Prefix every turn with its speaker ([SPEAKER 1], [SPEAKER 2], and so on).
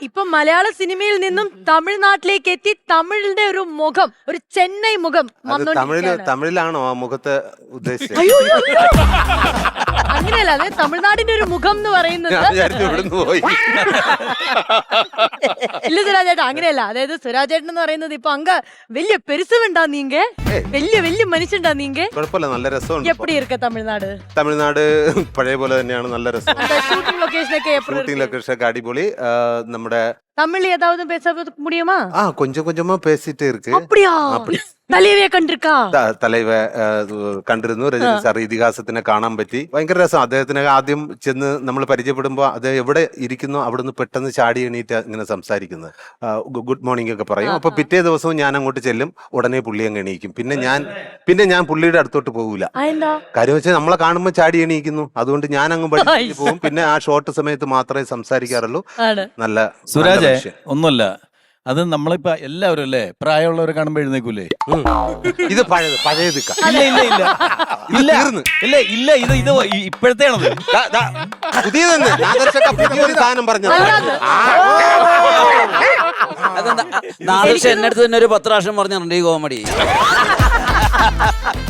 [SPEAKER 1] ഇപ്പൊ മലയാള സിനിമയിൽ നിന്നും തമിഴ്നാട്ടിലേക്ക് എത്തി തമിഴിന്റെ ഒരു മുഖം, ഒരു ചെന്നൈ മുഖം
[SPEAKER 2] തമിഴിലാണോ ആ മുഖത്തെ ഉദ്ദേശിച്ചത്?
[SPEAKER 1] അങ്ങനെയല്ല, അതെ തമിഴ്നാടിന്റെ ഒരു മുഖം എന്ന് പറയുന്നത്. ഇല്ല സുരാജേട്ടാ, അങ്ങനെയല്ല. അതായത് സുരാജേട്ടൻ എന്ന് പറയുന്നത് ഇപ്പൊ അങ്ക വലിയ പെരുസുണ്ടാ നീങ്ക, വലിയ വലിയ മനുഷ്യണ്ടാ നീങ്ക.
[SPEAKER 2] കുഴപ്പമില്ല, നല്ല രസമുണ്ട്.
[SPEAKER 1] എപ്പടി ഇരിക്ക തമിഴ്നാട്?
[SPEAKER 2] തമിഴ്നാട് പഴയ പോലെ തന്നെയാണ്, നല്ല രസം.
[SPEAKER 1] ഷൂട്ടിംഗ്
[SPEAKER 2] ലൊക്കേഷനൊക്കെ അടിപൊളി. നമ്മുടെ
[SPEAKER 1] தமிழ் ஏதாவது பேச முடியுமா?
[SPEAKER 2] கொஞ்சம் கொஞ்சமா பேசிட்டே இருக்கு.
[SPEAKER 1] அப்படியா? தலைவே കണ്ടിരിക്കാ?
[SPEAKER 2] തലൈവ കണ്ടിരുന്നു. രജനി സാർ ഇതിഹാസത്തിനെ കാണാൻ പറ്റി. ഭയങ്കര രസം. അദ്ദേഹത്തിന് ആദ്യം ചെന്ന് നമ്മൾ പരിചയപ്പെടുമ്പോൾ അത് എവിടെ ഇരിക്കുന്നു അവിടുന്ന് പെട്ടെന്ന് ചാടി എണീറ്റ് ഇങ്ങനെ സംസാരിക്കുന്നത്, ഗുഡ് മോർണിംഗ് ഒക്കെ പറയും. അപ്പൊ പിറ്റേ ദിവസവും ഞാൻ അങ്ങോട്ട് ചെല്ലും, ഉടനെ പുള്ളി അങ്ങ് എണീക്കും. പിന്നെ ഞാൻ പുള്ളിയുടെ അടുത്തോട്ട് പോകൂല. കാര്യം വെച്ചാൽ നമ്മളെ കാണുമ്പോൾ ചാടി എണീക്കുന്നു, അതുകൊണ്ട് ഞാൻ അങ്ങ് പഠിച്ചു പോകും. പിന്നെ ആ ഷോർട്ട് സമയത്ത് മാത്രമേ സംസാരിക്കാറുള്ളൂ. നല്ല
[SPEAKER 3] സുരാജ് ഒന്നുമല്ല, അത് നമ്മളിപ്പോ എല്ലാവരും അല്ലേ പ്രായമുള്ളവരെ കാണുമ്പോ എഴുന്നേക്കൂലേ?
[SPEAKER 2] ഇത് പഴയത്
[SPEAKER 3] ഇത് ഇപ്പോഴത്തെയാണത്.
[SPEAKER 2] പുതിയൊരു സാധനം പറഞ്ഞത്.
[SPEAKER 4] അതെന്താ നാദർശ എന്നെ അടുത്ത് തന്നെ ഒരു 10 പ്രാവശ്യം പറഞ്ഞിട്ടുണ്ട് ഈ കോമഡി.